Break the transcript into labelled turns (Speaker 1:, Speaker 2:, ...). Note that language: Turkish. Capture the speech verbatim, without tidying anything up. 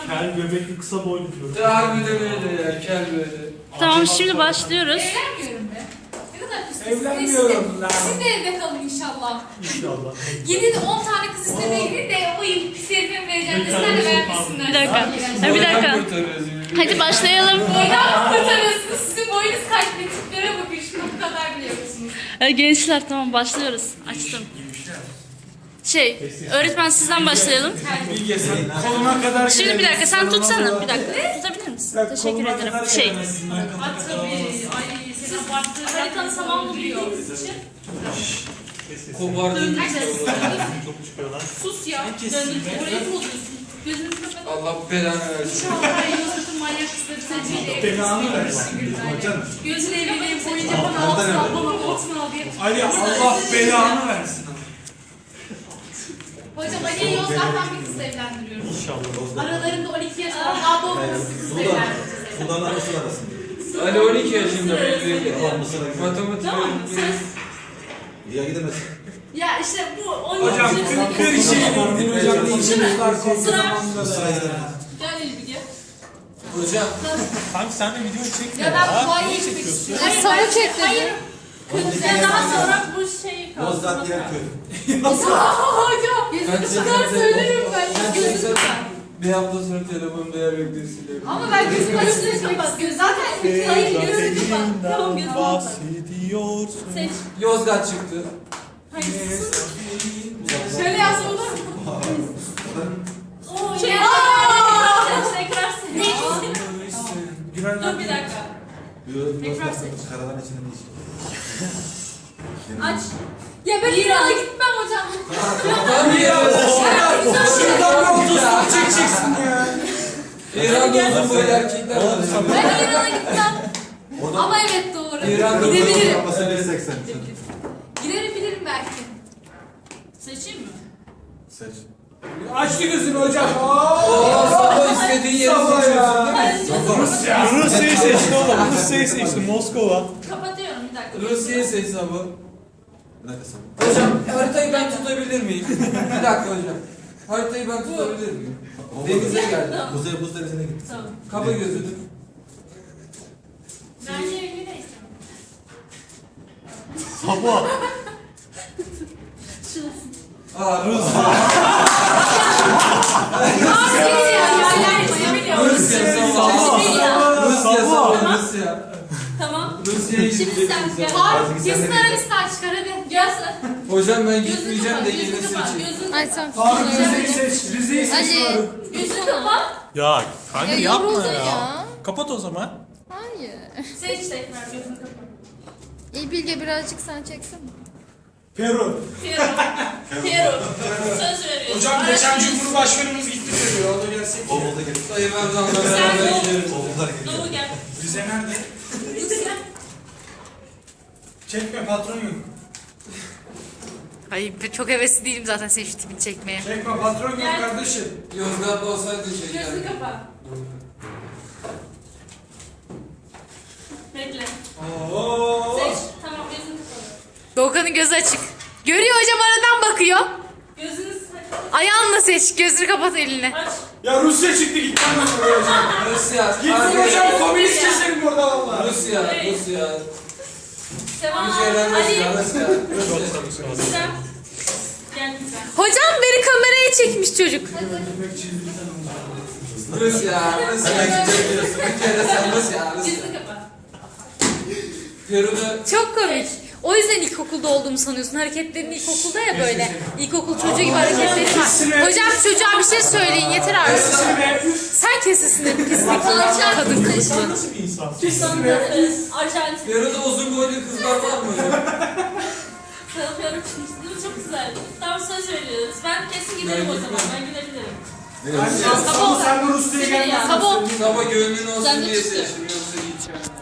Speaker 1: Kel göbekli kısa boylu diyorum.
Speaker 2: Harbiden öyle ya, kel böyle.
Speaker 3: Tamam şimdi başlıyoruz.
Speaker 4: Evlenmiyorum be. Ne kadar pis.
Speaker 5: Evlenmiyorum lan.
Speaker 4: Siz de evde kalın inşallah.
Speaker 1: İnşallah.
Speaker 4: Gidin on tane kız istemeye gidin de o pis herifin vereceğim desinler de vermesinler.
Speaker 3: Bir dakika. Ha, bir dakika. Hadi başlayalım.
Speaker 4: Boydan mı kurtarıyorsunuz? Sizin boyunuz kaç be, tiplere bakın. Şunu bu kadar biliyorsunuz.
Speaker 3: Ee, Gençler tamam başlıyoruz. Açtım. Şey, öğretmen sizden başlayalım.
Speaker 5: Bilge sen koluna kadar
Speaker 3: Şimdi bir dakika sen
Speaker 5: gelemezsin.
Speaker 3: tutsana. Bir dakika. Tutabilir misin?
Speaker 5: Sen
Speaker 3: Teşekkür
Speaker 5: koluna
Speaker 3: ederim.
Speaker 5: kadar
Speaker 3: Şey,
Speaker 5: gelemezsin.
Speaker 4: At tabii. Ay sen abarttığın haritanın tamamını biliyoruz için.
Speaker 2: Kobardım.
Speaker 1: Çok çıkıyorlar.
Speaker 4: Sus ya. Döndür. Orayı mı bozuyorsun? Gözünü kapat.
Speaker 2: Allah belanı versin.
Speaker 4: İnşallah Yusuf'un manyak kızları seçeceği.
Speaker 5: Belanı versin.
Speaker 4: Gözünü evliliği boyunca bana altına al, bana altına al diye.
Speaker 5: Ali Allah belanı versin.
Speaker 4: Hocam Ali'ye Yozgat'tan bir kızla evlendiriyoruz.
Speaker 1: İnşallah.
Speaker 4: Aralarında on iki yaş olan abla olması kızla evlendireceğiz.
Speaker 6: Sudan arası arasında.
Speaker 2: Ali on iki yaşında bir
Speaker 6: Tamam Mısır'a gidelim.
Speaker 2: matematik
Speaker 4: Tamam mı?
Speaker 2: öğretmeni.
Speaker 6: Ya gidemezsin.
Speaker 4: Ya işte bu on
Speaker 5: Hocam
Speaker 4: iki yaşında
Speaker 5: kırk bir şey var. Din hocam ne işimiz var
Speaker 4: Sıra.
Speaker 5: zamanında
Speaker 6: Mısır'a
Speaker 5: da.
Speaker 6: gidemez.
Speaker 4: Gel Elif gel.
Speaker 2: Hocam.
Speaker 1: Kanka sen de video çekme
Speaker 4: Ya ben Kuvayi'ye gitmek istiyorum. Hayır,
Speaker 7: Sana
Speaker 4: ben-
Speaker 7: çek dedi.
Speaker 4: Hayır. Kırmızıya daha sonra bu şeyi kaldı.
Speaker 6: Yozgat yer köy.
Speaker 4: Hocam.
Speaker 2: Ben
Speaker 4: Gözünü
Speaker 2: seni
Speaker 4: kadar söylerim ben.
Speaker 2: Ben
Speaker 4: Gözünü
Speaker 2: seni-
Speaker 4: kadar.
Speaker 2: Bir hafta sonra telefonda yer beklesiyle.
Speaker 4: Ama ben gözümü açtığım kapat. Göz zaten hayır gözünü kapat. Tamam gözünü kapat.
Speaker 1: bahsediyorsun.
Speaker 4: Seç.
Speaker 2: Yozgat çıktı.
Speaker 4: Hayır sus. Şöyle yazsa olur mu? Oo, şey, tekrar seç. Dur bir dakika. Tekrar seç.
Speaker 6: Karavan içinde ne iş?
Speaker 4: Aç. Ya ben İran'a gitmem hocam.
Speaker 2: Tabii ya.
Speaker 5: Şuradan bir otostop çekeceksin ya.
Speaker 2: İran'da uzun boylu erkekler var.
Speaker 4: Ben İran'a gitmem.
Speaker 6: Oradan
Speaker 4: Ama evet doğru.
Speaker 2: İran'da
Speaker 4: Gidebilirim.
Speaker 6: yapması bir seksen.
Speaker 4: Giderim bilirim belki. Seçeyim mi?
Speaker 6: Seç.
Speaker 5: Açtı gözünü hocam.
Speaker 2: Oo, sabah istediğin yeri
Speaker 5: Sabah
Speaker 2: seçiyorsun
Speaker 5: ya.
Speaker 2: değil mi?
Speaker 5: Rusya.
Speaker 1: Rusya'yı seçti oğlum. Rusya'yı seçti. Moskova.
Speaker 4: Kapatıyorum bir dakika.
Speaker 2: Rusya'yı seç sabah.
Speaker 6: Bir dakika sen.
Speaker 2: Hocam haritayı ben tutabilir miyim? Bir dakika hocam. Haritayı ben tutabilir miyim? Denize geldim.
Speaker 6: Kuzey Buz Deresi'ne gittik.
Speaker 4: Tamam.
Speaker 2: Kapa gözünü.
Speaker 4: Bence evli de istemem.
Speaker 1: Sabah.
Speaker 4: Şurası.
Speaker 2: Aa Rusya.
Speaker 4: Aa seni ya. Ya biliyorum.
Speaker 2: Rusya sabah.
Speaker 4: Rusya.
Speaker 2: Rusya sabah. Rusya.
Speaker 4: Tamam.
Speaker 2: Rusya'ya
Speaker 4: Şimdi
Speaker 2: gideceksin
Speaker 4: sen gel.
Speaker 2: sen.
Speaker 4: Var. Kesin Arabistan çıkar hadi. Gel sen.
Speaker 2: Hocam ben
Speaker 4: Gözünü
Speaker 2: gitmeyeceğim
Speaker 4: kapat.
Speaker 2: de yeni
Speaker 4: Gözünü kapat.
Speaker 2: seçeyim.
Speaker 4: Gözünü
Speaker 7: Ay sen
Speaker 5: Faruk
Speaker 7: sus ya.
Speaker 5: Rize'yi seç. Rize'yi seç
Speaker 7: Ali.
Speaker 5: Faruk.
Speaker 4: Gözünü kapat.
Speaker 1: Ya kanka
Speaker 7: Ya
Speaker 1: yapma
Speaker 7: yoruldun
Speaker 1: ya.
Speaker 7: ya.
Speaker 1: Kapat o zaman.
Speaker 7: Hayır.
Speaker 4: Seç tekrar gözünü kapat.
Speaker 7: İyi Bilge birazcık sen çeksin.
Speaker 5: Peru.
Speaker 4: Piero. Piero. Söz veriyorum.
Speaker 5: Hocam geçen Cumhurbaşkanımız gitti Peru'ya. O da gelsek.
Speaker 6: Oğuz'a gel.
Speaker 2: Sayın Erdoğan'la
Speaker 4: Sen
Speaker 2: beraber
Speaker 4: doğu.
Speaker 2: gidiyoruz.
Speaker 6: Oğuzlar geliyor.
Speaker 4: Doğu gel.
Speaker 5: Rize nerede?
Speaker 4: Rize gel.
Speaker 5: Çekme patron yok.
Speaker 7: Hayır çok hevesli değilim zaten senin şu tipini çekmeye.
Speaker 5: Çekme patron yok
Speaker 4: Gel.
Speaker 5: kardeşim.
Speaker 2: Yozgat'ta olsaydı şey
Speaker 4: Gözünü
Speaker 2: yani.
Speaker 4: kapat. Bekle.
Speaker 5: Oo.
Speaker 4: Seç. Tamam gözünü kapat.
Speaker 7: Doğukan'ın gözü açık. Görüyor hocam aradan bakıyor.
Speaker 4: Gözünü seç.
Speaker 7: Ayağınla seç. Gözünü kapat elini.
Speaker 4: Aç.
Speaker 5: Ya Rusya çıktı gitmem ben oraya hocam.
Speaker 2: Rusya.
Speaker 5: Gitsin hocam komünist keselim burada valla.
Speaker 2: Rusya. Rusya.
Speaker 4: Sevan
Speaker 2: Ülkeler
Speaker 4: Ali.
Speaker 2: Rusya. Rusya.
Speaker 4: Güzel. Gel güzel.
Speaker 7: Hocam beni kameraya çekmiş çocuk.
Speaker 2: Rusya. Rusya. Gidiyorsun. Bir kere sen Rusya. Rusya.
Speaker 4: Gözünü kapat.
Speaker 2: Peru'da
Speaker 7: Çok komik. O yüzden ilkokulda olduğumu sanıyorsun. Hareketlerin ilkokulda ya böyle. İlkokul çocuğu gibi hareketleri var. Hocam çocuğa bir şey söyleyin yeter artık. Sen kesesine pislik kadın kılıçlı.
Speaker 1: Nasıl bir insan?
Speaker 4: Alternatif.
Speaker 2: Peru'da uzun boylu kızlar var mı hocam?
Speaker 4: Tanıyorum şimdi. Değil mi? Çok güzel. Tam söz veriyoruz. Ben kesin giderim o zaman. Ben gidebilirim.
Speaker 5: Sabo sen de Rusya'ya
Speaker 4: Seni ya.
Speaker 5: gelmezsin.
Speaker 7: Sabo.
Speaker 2: Sabah gönlün olsun
Speaker 4: Sen de
Speaker 2: diye
Speaker 4: çıktı.
Speaker 2: seçtim. Yoksa gideceğim.